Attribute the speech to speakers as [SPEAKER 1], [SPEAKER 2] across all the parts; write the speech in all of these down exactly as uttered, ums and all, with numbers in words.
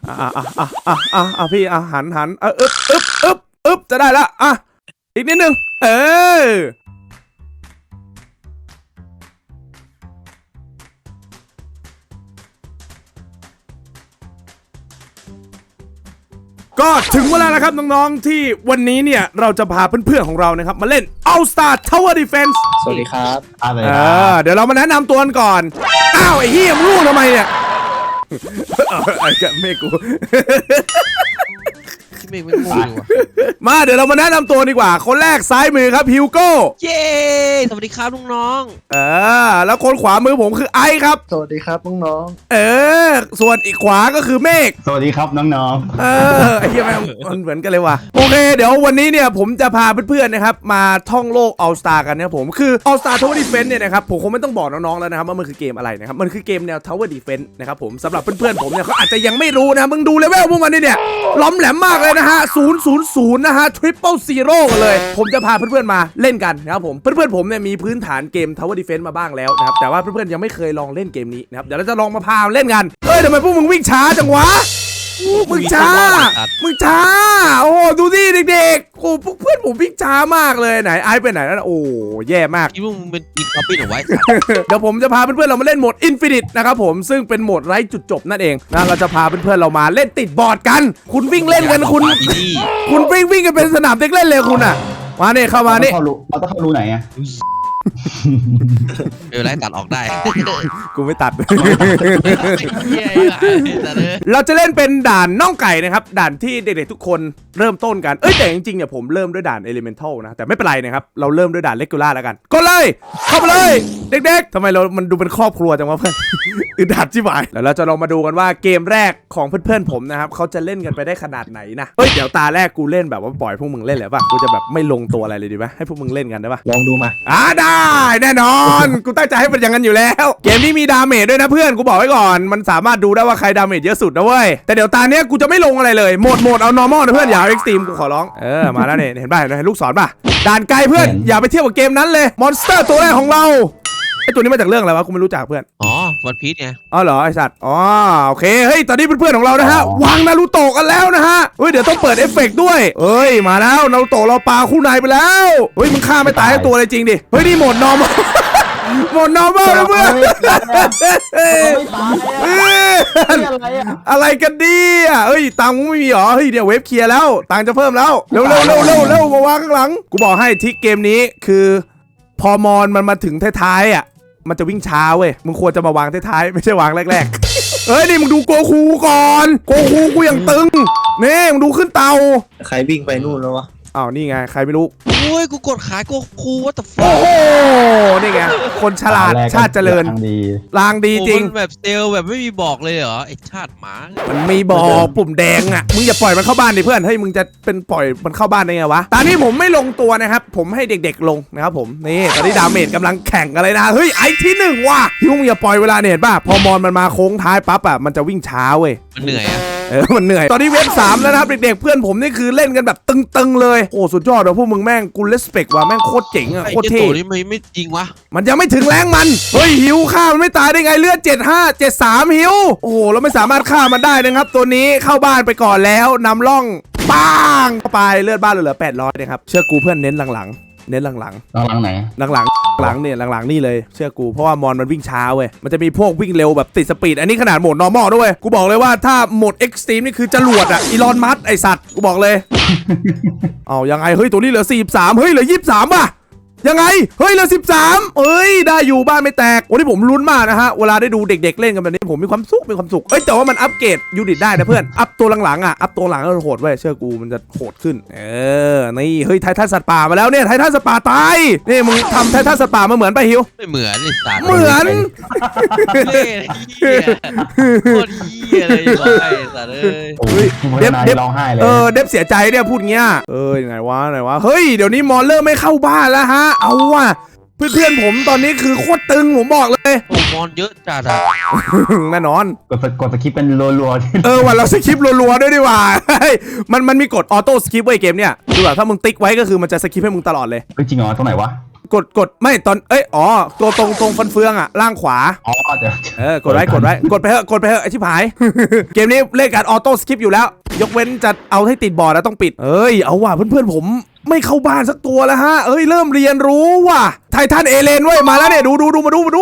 [SPEAKER 1] อ่ะอ่ะอ่ะอ่ะอ่ะอ่ะอ่ะพี่อ่ะหันหันเอออึ๊บอึ๊บอึ๊บอึ๊บจะได้ละอ่ะอีกนิดนึงเออก็ถึงเวลาแล้วครับน้องๆที่วันนี้เนี่ยเราจะพาเพื่อนๆของเรานะครับมาเล่น All Star Tower Defense
[SPEAKER 2] สวัสดีครับ
[SPEAKER 3] อะไร
[SPEAKER 1] เอ
[SPEAKER 3] นะ
[SPEAKER 1] อเดี๋ยวเรามาแนะนำตัวกันก่อนอ้าวไอ้เหี้ยมึงรู้ทำไมเนี่ยไอ้กะเมฆกู
[SPEAKER 4] ที่เมฆไม่งูอยู่ว่ะ
[SPEAKER 1] มาเดี๋ยวเรามาแนะนำตัวดีกว่าคนแรกซ้ายมือครับฮิวโก้
[SPEAKER 4] เย้สวัสดีครับลุงน้อง
[SPEAKER 1] เออแล้วคนขวามือผมคือไอซ์ครับ
[SPEAKER 2] สวัสดีครับน้อง
[SPEAKER 1] เออส่วนอีกขวาก็คือเมฆ
[SPEAKER 3] สวัสดีครับน้อง
[SPEAKER 1] เออไอ้เหี้ยแม่งมันเหมือนกันเลยว่ะโอเคเดี๋ยววันนี้เนี่ยผมจะพาเพื่อนๆนะครับมาท่องโลก All Star กันนะครับผมคือ All Star Tower Defense เนี่ยนะครับผมคงไม่ต้องบอกน้องๆแล้วนะครับว่ามันคือเกมอะไรนะครับมันคือเกมแนว Tower Defense นะครับผมสำหรับเพื่อนๆผมเนี่ยเขาอาจจะยังไม่รู้นะมึงดูเลเวลพวกมันนี่เนี่ยล้อมแหลมมากเลยนะฮะศูนย์ ศูนย์ ศูนย์นะฮะ Triple Zero กันเลยผมจะพาเพื่อนๆมาเล่นกันนะครับผมเพื่อนๆผมเนี่ยมีพื้นฐานเกม Tower Defense มาบ้างแล้วนะครับแต่ว่าเพื่อนๆยังไม่เคยลองเล่นเกมนี้นะครับเดี๋ยวเราจะลองมาพาเล่นกันเฮ้ยทำไมพวกมึงวิ่งช้าจังวะมึงช้า มึงช้า โอ้ดูดิเด็กๆโอ้พวกเพื่อนผมวิ่งช้ามากเลยไหนไอซ์ไปไหนแล้วนะโอ้แย่มาก
[SPEAKER 4] คิดว่ามึงเป็นอีกคอปปี้หรือไว้
[SPEAKER 1] เดี๋ยวผมจะพาเพื่อนๆเรามาเล่นโหมด Infinite นะครับผมซึ่งเป็นโหมดไร้จุดจบนั่นเองนะเราจะพาเพื่อนๆเรามาเล่นติดบอร์ดกัน คุณวิ่งเล่นกันคุณ
[SPEAKER 4] ที่นี่
[SPEAKER 1] คุณวิ่งวิ่งกันเป็นสนามเด็กเล่นเลยคุณอ่ะมาเนี่ยเข้า
[SPEAKER 3] ๆ
[SPEAKER 1] มา
[SPEAKER 3] เราต้
[SPEAKER 1] นี่
[SPEAKER 3] องเข้ารูเราต้องเข้ารูไหนอะ
[SPEAKER 4] เดี๋ยวไล่ตัดออกได้
[SPEAKER 1] กูไม่ตัด
[SPEAKER 4] เย้แต่เลย
[SPEAKER 1] เราจะเล่นเป็นด่านน่องไก่นะครับด่านที่เด็กๆทุกคนเริ่มต้นกันเอ้ยแต่จริงๆเนี่ยผมเริ่มด้วยด่าน Elemental นะแต่ไม่เป็นไรนะครับเราเริ่มด้วยด่าน Regular แล้วกันก็เลยเข้าไปเลยเด็กๆทำไมเรามันดูเป็นครอบครัวจังวะเพื่อน อึดอัดชิบหายแล้วเราจะลองมาดูกันว่าเกมแรกของเพื่อนๆผมนะครับเขาจะเล่นกันไปได้ขนาดไหนนะเฮ้ยเดี๋ยวตาแรกกูเล่นแบบว่าปล่อยพวกมึงเล่นเลยป่ะกูจะแบบไม่ลงตัวอะไรเลยดีไหมให้พวกมึงเล่นกันได้ป่ะ
[SPEAKER 2] ๆลองดูมา
[SPEAKER 1] อ่าได้แน่นอน กูตั้งใจให้เป็นอย่างนั้นอยู่แล้ว เกมนี้มีดาเมจด้วยนะเพื่อนกูบอกไว้ก่อนมันสามารถดูได้ว่าใครดาเมจเยอะสุดนะเว้ยแต่เดี๋ยวตาเนี้ยกูจะไม่ลงอะไรเลยโหมดโหมดเอา normal นะเพื่อนอย่าเอา extreme กูขอร้องเออมาแล้วเนี่ยเห็นป่ะเห็นลูกศรป่ะด่านไกลเพื่อนอย่าไปเทียบกับเกมนั้นเลยมอนสเตอร์ตัวแรกของเราไอตัวนี้มาจากเรื่องอะไรวะกูไม่รู้จักเพื่อน
[SPEAKER 4] อ๋อวันพีชไง
[SPEAKER 1] อ๋อเหรอไอสัตว์อ๋อโอเคเฮ้ยตอนนี้เพื่อนๆของเรานะฮะวางนารูโตะกันแล้วนะฮะเฮ้ยเดี๋ยวต้องเปิดเอฟเฟกต์ด้วยเอ้ยมาแล้วนารูโตะเราปาคู่นายไปแล้วเฮ้ยมึงฆ่าไม่ตายทั้งตัวเลยจริงดิเฮ้ยนี่โหมด normal หมด normal นะเพื่อนอะไรกันดีอ่ะเอ้ยตังค์ไม่มีหรอเฮ้ยเดี๋ยวเว็บเคลียร์แล้วตังค์จะเพิ่มแล้วเร็วเร็วเร็วเร็วเร็วมาวางข้างหลังกูบอกให้ทิกเกมนี้คือพอมอนมันมาถึงท้ายๆอ่ะมันจะวิ่งช้าเว้ยมึงควรจะมาวางท้ายๆไม่ใช่วางแรกๆเฮ้ยนี่มึงดูโกคูก่อนโกคูกูยังตึงนี่มึงดูขึ้นเตา
[SPEAKER 2] ใครวิ่งไปนู่นแล้ววะ
[SPEAKER 1] อ้าวนี่ไงใครไม่รู้
[SPEAKER 4] โอ้ยกูกดขายกูครูว่าแต่ฟ
[SPEAKER 1] โอ้โหนี่ไงคนฉลาดชาติเจริญ
[SPEAKER 3] ทางดี
[SPEAKER 1] ลางดีจริง
[SPEAKER 4] แบบเซลแบบไม่มีบอกเลยเหรอไอชาติหมา
[SPEAKER 1] มันมีบอกปุ่มแดงอ่ะ มึงอย่าปล่อยมันเข้าบ้านดิเพื่อน เฮ้ยมึงจะเป็นปล่อยมันเข้าบ้านได้ไงวะ ตอนนี้ผมไม่ลงตัวนะครับ ผมให้เด็กๆลงนะครับผม นี่ตอนนี้ดาเมจกำลังแข่งกันเลยนะ เฮ้ยไอที่หนึ่งว่ะที่มึงอย่าปล่อยเวลาเนี่ยเห็นป่ะ พอมอนมันมาโค้งท้ายปั๊บอ่ะ มันจะวิ่งช้าเว้ย
[SPEAKER 4] มันเหนื่อยอะ
[SPEAKER 1] เออ มันเหนื่อย ตอนนี้เว็บสามแล้วนะครับเด็กๆเพื่อนผมนี่คือเล่นกันแบบตึงๆเลย โอ้สุดยอดเลยพวกมึงแม่งกูเลสเปกว่ะแม่งโคตรเจ๋งอ่ะ
[SPEAKER 4] ไอ้
[SPEAKER 1] โคตร
[SPEAKER 4] เจ้า
[SPEAKER 1] เท่
[SPEAKER 4] ตัวนี้ไม่ไม่จริงวะ
[SPEAKER 1] มันยังไม่ถึงแรงมัน เฮ้ยหิวฆ่ามันไม่ตายได้ไงเลือดเจ็ดห้า เจ็ดสามหิว โอ้โหเราไม่สามารถฆ่ามันได้นะครับตัวนี้เข้าบ้านไปก่อนแล้วนำร่องปังเข้าไปเลือดบ้านเหลือแปดร้อยนะครับเชื่อกูเพื่อนเน้นหลังๆเน้นหลัง
[SPEAKER 3] ตอนหลังไหน
[SPEAKER 1] ๆหลังๆหลังเนี่ยหลังๆนี่เลยเชื่อกูเพราะว่ามอนมันวิ่งช้าเว้ยมันจะมีพวกวิ่งเร็วแบบติดสปีดอันนี้ขนาดโหมด normal ด้วยกูบอกเลยว่าถ้าโหมด extreme นี่คือจรวดอะอีลอนมัสก์ไอสัตว์กูบอกเลย เอายังไงเฮ้ยตัวนี้เหลือสี่สิบสามเฮ้ยเหลือยี่สิบสามป่ะยังไงเฮ้ยเหลือสิบสามเอ้ยได้อยู่บ้านไม่แตกวันนี้ผมลุ้นมากนะฮะเวลาได้ดูเด็กๆเล่นกันแบบนี้ผมมีความสุขมีความสุขเอ้ยแต่ว่ามันอัปเกรดยูนิตได้นะเพื่อนอัพตัวหลังๆอ่ะอัพตัวหลังก็โหดเว้ยเชื่อกูมันจะโหดขึ้นเออนี่เฮ้ยไททันสัตว์ป่ามาแล้วเนี่ยไททันสัตว์ป่าตายนี่มึงทำไททันสัตว์ป่ามาเหมือนป่ะฮิว
[SPEAKER 4] ไม่เหมือนไอสัตว์
[SPEAKER 1] เหมือน
[SPEAKER 4] เล่เหี้ยโคตรเหี้ยเลยบอกไอ้สัตว์เอ้ย
[SPEAKER 3] โอ้ยที่มันนายร้องไห้เลย
[SPEAKER 1] เออเดฟเสียใจเนี่ยพูดเงี้ยเออยังไงวะไหนวะเฮ้ยเดี๋ยวนี้มอนเริ่มไม่เข้าบ้านแล้วฮะเอาว่ะเพื่อนๆผมตอนนี้คือโคตรตึงผมบอกเลย
[SPEAKER 4] โอ้มอนเยอะจัดอะ
[SPEAKER 1] แน่นอน
[SPEAKER 3] กดสกดสคริปต์เป็นรัวๆที่
[SPEAKER 1] เออวันเราสคริปต์รัวๆด้วยดีกว่า มันมันมีกดออโต้สคริปต์ไว้เกมเนี่ยดูแบบถ้ามึงติ๊กไว้ก็คือมันจะสคริปต์ให้มึงตลอดเลย
[SPEAKER 3] เฮ้ยจริงเหรอตรงไหนวะ
[SPEAKER 1] กดกดไม่ตอนเอ้ยอ๋อตัวตรงตรงฟันเฟืองอ่ะล่างขวา
[SPEAKER 3] อ๋อเดี๋ยว
[SPEAKER 1] เออกดไว้กดไว้กดไปเถอะกดไปเถอะไอชิบหาย เกมนี้เล่นการออโต้สคิปอยู่แล้ว ยกเว้นจะเอาให้ติดบอร์ดแล้วต้องปิดเอ้ยเอาว่ะเพื่อนๆผมไม่เข้าบ้านสักตัวแล้วฮะเอ้ยเริ่มเรียนรู้ว่ะไททันเอเลนเว้ยมาแล้วเนี่ยดูดูดูมาดูมาดู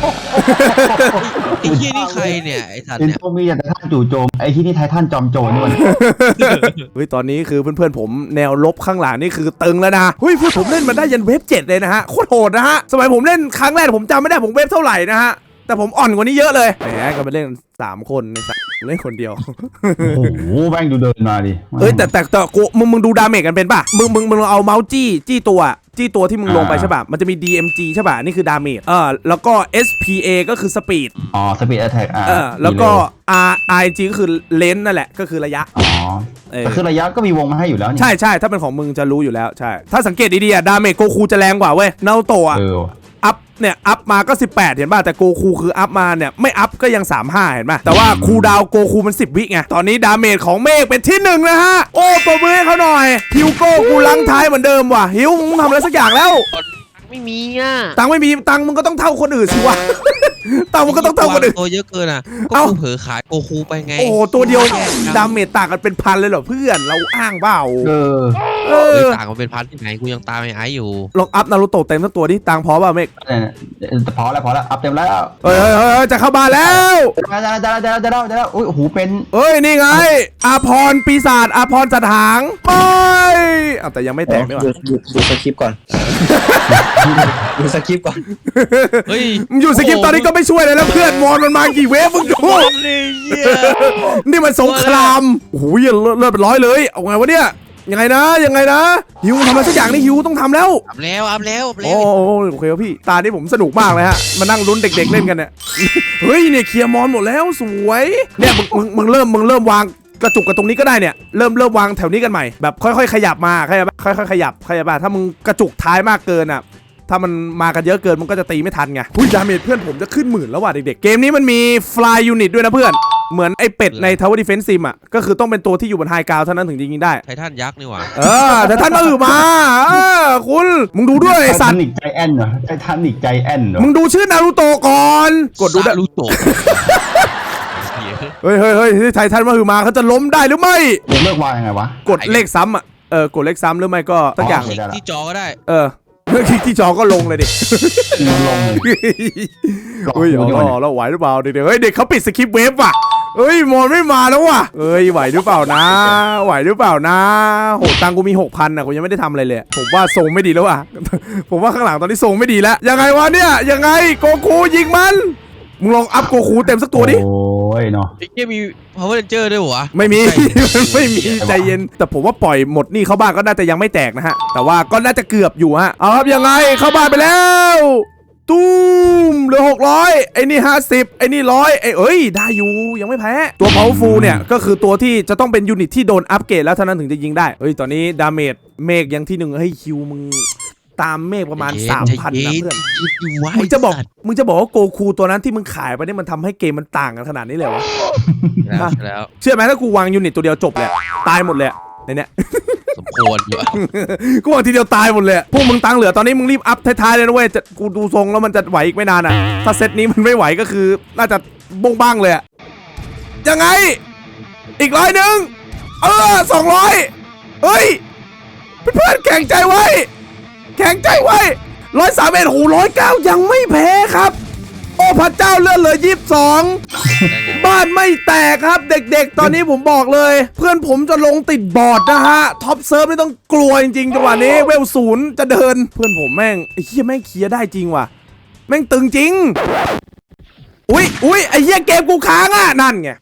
[SPEAKER 4] ไอ้เหี้ยนี่ใครเนี่ยไอ้สัตว์
[SPEAKER 3] เป็น
[SPEAKER 4] เนี่ย
[SPEAKER 3] พวกมีแต่ท่านจู่โจมไอ้ที่นี่ไททันจอมโจรนี่มัน
[SPEAKER 1] เฮ้ยตอนนี้คือเพื่อนๆผมแนวลบข้างหลังนี่คือตึงแล้วนะเฮ้ยเพื่อนผมเล่นมันได้ยันเวฟเจ็ดเลยนะฮะโคตรโหดนะฮะสมัยผมเล่นครั้งแรกผมจำไม่ได้ผมเวฟเท่าไหร่นะฮะแต่ผมอ่อนกว่านี้เยอะเลยแหมก็ไปเล่นสามคนในสัตว์เล่นคนเดียว
[SPEAKER 3] โอ้โหแม่งดูเดินมาดิ
[SPEAKER 1] เอ้ยแต่แต่แต่กูมึงมึงดูดาเมจกันเป็นป่ะมึงมึงมึงเอาเมาส์จี้จี้ตัวจี้ตัวที่มึงลงไปใช่ป่ะมันจะมี ดี เอ็ม จี ใช่ป่ะนี่คือดาเมจเออแล้วก็ เอส พี เอ ก็คือสปีด
[SPEAKER 3] อ๋อสปีดแอทแทกอ่า
[SPEAKER 1] เออแล้วก็ R I G ก็คือเลนส์นั่นแหละก็คือระยะ
[SPEAKER 3] อ๋อ
[SPEAKER 1] เออ
[SPEAKER 3] แต่คือระยะก็มีวงมาให้อยู่แล้วนี่
[SPEAKER 1] ใช่ใช่ถ้าเป็นของมึงจะรู้อยู่แล้วใช่ถ้าสังเกตดีๆอะดาเมจโกคูจะแรงกว่าเว้ยนารูโตะ
[SPEAKER 3] เออ
[SPEAKER 1] อัพเนี่ยอัพมาก็สิบแปดเห็นป่ะแต่โกคูคืออัพมาเนี่ยไม่อัพก็ยังสามสิบห้าเห็นป่ะแต่ว่าคูลดาวน์โกคูมันสิบวิไงตอนนี้ดาเมจของเมฆเป็นที่หนึ่งนะฮะโอ้ปรบมือให้เขาหน่อยฮิวโก้กูลังท้ายเหมือนเดิมว่ะฮิวมึงทำอะไรสักอย่างแล้ว
[SPEAKER 4] ไม่มีอ่ะ
[SPEAKER 1] ตังค์ไม่มีตังค์มึงก็ต้องเท่าคนอื่นสิวะ ตังค์มึงก็ต้องเท่าคนอื่น
[SPEAKER 4] ตัวเยอะเกินอ่ะก็
[SPEAKER 1] เอ้า
[SPEAKER 4] กูเผลอขายโกคูไปไง
[SPEAKER 1] โอ้โหตัวเดียวดาเมจต่างกันเป็นพันเลยเหรอเพื่อนเราอ้างเปล่า
[SPEAKER 3] เออ
[SPEAKER 1] เอ
[SPEAKER 4] เฮ้ย
[SPEAKER 1] อ
[SPEAKER 4] ต่างกันเป็นพันที่ไหนกูยังตามไอ้ไอ้อยู่
[SPEAKER 1] ลองอัพนารูโตะเต็มทั้งตัวดิตังค์พอป่ะเมฆ
[SPEAKER 3] เนี่ยพอแล้วพอแล้วอัพเต็มแล้ว
[SPEAKER 1] เฮ้ยเฮ้ยเฮ้ยเฮ้ยจะเข้าบ้านแล้ว
[SPEAKER 3] จะแล้วจะแล้วจะแล้วจะแล้วจะแล้วอุ้ยโอ้โหเป็น
[SPEAKER 1] เอ้ยนี่ไงอาพรปีศาจอาพรจัดหางไปอ้าวแต่ยังไม่แตกด้วย
[SPEAKER 2] ดูดูดูสคริปต์ก่อน ดูสคริปต์ก่อน
[SPEAKER 4] เฮ้ย
[SPEAKER 1] มึงอยู่สกิปตอนนี้ก็ไม่ช่วยเลยแล้วเพื่อนมอนมันมากี่เวฟมึงดู
[SPEAKER 4] เลยเหี้ย
[SPEAKER 1] นี่มันสงครามโอ้โหเหี้ยเลือดเลือดเป็นร้อยเลยเอาไงวะเนี่ยยังไงนะยังไงนะฮิวทำอะไรสักอย่างนี่ฮิวต้องทำแล้ว
[SPEAKER 4] อัพแล้วอัพแล้วอัพแล้
[SPEAKER 1] โอ้
[SPEAKER 4] ว
[SPEAKER 1] โหโอเคครับพี่ตานี่ผมสนุกมากเลยฮะมานั่งลุ้นเด็กๆเล่นกันเนี่ย เฮ้ยเนี่ยเคลียร์มอนหมดแล้วสวยเนี่ยมึงมึงมึงเริ่มมึงเริ่มวางกระจุกกันตรงนี้ก็ได้เนี่ยเริ่มเริ่มวางแถวนี้กันใหม่แบบค่อยๆขยับมาเข้าใจปะค่อยๆขยับเข้าใจปะถ้ามึงกระจุกท้ายมากเกินอ่ะถ้ามันมากันเยอะเกินมันก็จะตีไม่ทันไงหุ้ยดาเมจเพื่อนผมจะขึ้นหมื่นแล้วว่ะเด็กๆเกมนี้มันมี fly unit ด้วยนะเพื่อนเหมือนไอ้เป็ดใน Tower Defense Sim อ่ะก็คือต้องเป็นตัวที่อยู่บนไฮกราวเท่านั้นถึงจะยิงได้
[SPEAKER 4] ไททันยักษ์นี่หว่า
[SPEAKER 1] เออแต่ท่านมาอือมาเออคุณมึงดูด้วยไอ้สัตว์
[SPEAKER 3] ไททานิกใจแอนเหรอไททานิกใจแอนเหรอ
[SPEAKER 1] มึงดูชื่อนารูโตะก่อนกดดูได้
[SPEAKER 4] ซารุโตะ
[SPEAKER 1] เฮ้ยเฮ้ยเฮ้ยไททันมาอือมาเขาจะล้มได้หรือไม่
[SPEAKER 3] เดี๋ยวเลิกวางยังไงวะ
[SPEAKER 1] กดเลขซ้ำอ่ะเออกดเลขซ้ำหรือไม่ก็สักอย่าง
[SPEAKER 3] โอเค
[SPEAKER 4] คลิกที่จอก็ได้
[SPEAKER 1] เออคลิกที่จอก็ลงเลยดิ
[SPEAKER 3] ลงลง
[SPEAKER 1] เฮ้ยเอาแล้วแล้วไหวหรือเปล่าเด็กๆเฮ้ยเด็กเขาปิดสคริปต์เวฟว่ะเฮ้ยมอนไม่มาแล้วว่ะเฮ้ยไหวหรือเปล่านะไหวหรือเปล่านะโหตังกูมีหกพันอ่ะกูยังไม่ได้ทำอะไรเลยผมว่าทรงไม่ดีแล้วว่ะ ผมว่าข้างหลังตอนนี้ทรงไม่ดีแล้วยังไงวะเนี่ยยังไงโกคูยิงมันมึงลองอัพโกคูเต็มสักตัวดิ
[SPEAKER 3] โอ้ยเนาะ
[SPEAKER 4] ไอ้เหี้ยมี power ranger ด้วยเหรอวะ
[SPEAKER 1] ไม่มี มันไม่มีใจเย็นแต่ผมว่าปล่อยหมดนี่เข้าบ้านก็น่าจะยังไม่แตกนะฮะแต่ว่าก็น่าจะเกือบอยู่ฮะเอาครับยังไงเข้าบ้านไปแล้วตูมเหลือหกร้อยไอ้นี่ห้าสิบไอ้นี่ร้อยไอ้เอ้ยได้อยู่ยังไม่แพ้ตัว powerful เนี่ยก็คือตัวที่จะต้องเป็นยูนิตที่โดนอัปเกรดแล้วเท่านั้นถึงจะยิงได้เฮ้ยตอนนี้ดาเมจเมฆยังที่หนึ่งเฮ้ยคิวมึงตามเมฆประมาณ สามพัน นะเพื่อน
[SPEAKER 4] คิดดูไว้
[SPEAKER 1] มึงจะบอกมึงจะบอกว่าโกคูตัวนั้นที่มึงขายไปนี่มันทำให้เกมมันต่างกันขนาดนี้เลยวะ
[SPEAKER 4] แล้วแล้ว
[SPEAKER 1] เชื่อไหมถ้ากูวางยูนิตตัวเดียวจบเลยตายหมดเลยในเนี้ย
[SPEAKER 4] สมควรอยู่อะ
[SPEAKER 1] กูวางทีเดียวตายหมดเลยพวกมึงตังค์เหลือตอนนี้มึงรีบอัพท้ายๆเลยนะเว้ยจะกูดูทรงแล้วมันจะไหวอีกไม่นานอ่ะถ้าเซตนี้มันไม่ไหวก็คือน่าจะบงบ้างเลยอะยังไงอีกร้อยหนึ่งเออสองร้อยเฮ้ยเพื่อนๆแข่งใจไว้แข่งใจไว้ร้อยสามเอ็ดหูร้อยเก้ายังไม่แพ้ครับ โอ้พระเจ้าเลื่อนเหลือยี่สิบสอง
[SPEAKER 4] ได้ไงวะ
[SPEAKER 1] บ้านไม่แตกครับเด็กๆ ตอนนี้ผมบอกเลย เพื่อนผมจะลงติดบอร์ดนะฮะท็อปเซิร์ฟไม่ต้องกลัวจริงๆจังหวะนี้เวลศูนย์จะเดิน เพื่อนผมแม่งไอ้เหี้ยแม่งเคลียร์ได้จริงว่ะแม่งตึงจริงอุ้ยอุ้ยไอ้เหี้ยเกมกูค้างอ่ะนั่นไง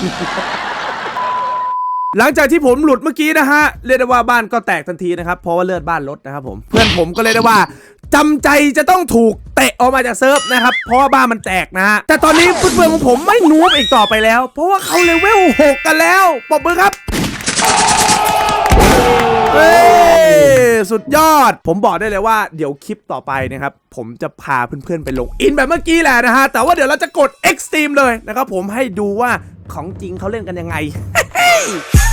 [SPEAKER 1] หลังจากที่ผมหลุดเมื่อกี้นะฮะเรียกได้ว่าบ้านก็แตกทันทีนะครับเพราะว่าเลือดบ้านลดนะครับผมเพื่อนผมก็เลยได้ว่าจำใจจะต้องถูกเตะออกมาจากเซิร์ฟนะครับเพราะว่าบ้านมันแตกนะฮะแต่ตอนนี้เพื่อนๆของผมไม่นูบอีกต่อไปแล้วเพราะว่าเขาเลเวลหกกันแล้วปรบมือครับเฮ้ยสุดยอดผมบอกได้เลยว่าเดี๋ยวคลิปต่อไปนะครับผมจะพาเพื่อนๆไปลงอินแบบเมื่อกี้แหละนะฮะแต่ว่าเดี๋ยวเราจะกด Extreme เลยนะครับผมให้ดูว่าของจริงเขาเล่นกันยังไง